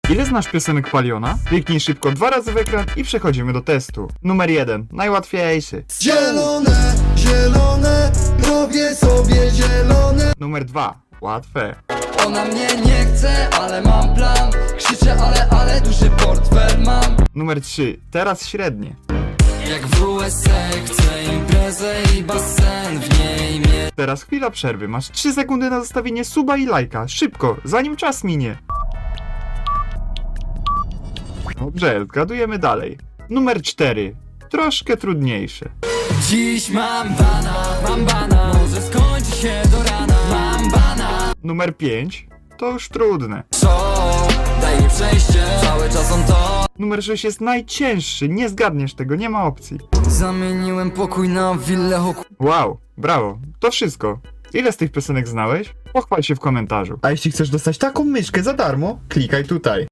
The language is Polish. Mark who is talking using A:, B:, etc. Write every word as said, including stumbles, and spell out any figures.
A: Ile znasz piosenek Paliona? Kliknij szybko dwa razy w ekran i przechodzimy do testu. Numer jeden, najłatwiejszy.
B: Zielone, zielone, robię sobie zielone.
A: Numer dwa, łatwe.
C: Ona mnie nie chce, ale mam plan. Krzyczę, ale, ale duży portfel mam.
A: Numer trzy, teraz średnie.
C: Jak w U S A chcę imprezę i basen w niej mieć.
A: Teraz chwila przerwy, masz trzy sekundy na zostawienie suba i lajka. Szybko, zanim czas minie. Dobrze, zgadujemy dalej. Numer cztery, troszkę trudniejsze.
C: Dziś mam bana, mam bana. Może skończy się do rana. Mam bana.
A: Numer pięć, to już trudne.
C: Show, daj mi przejście. Cały czas on to.
A: Numer sześć jest najcięższy, nie zgadniesz tego, nie ma opcji.
C: Zamieniłem pokój na willę hoku.
A: Wow, brawo, to wszystko. Ile z tych piosenek znałeś? Pochwal się w komentarzu. A jeśli chcesz dostać taką myszkę za darmo, klikaj tutaj.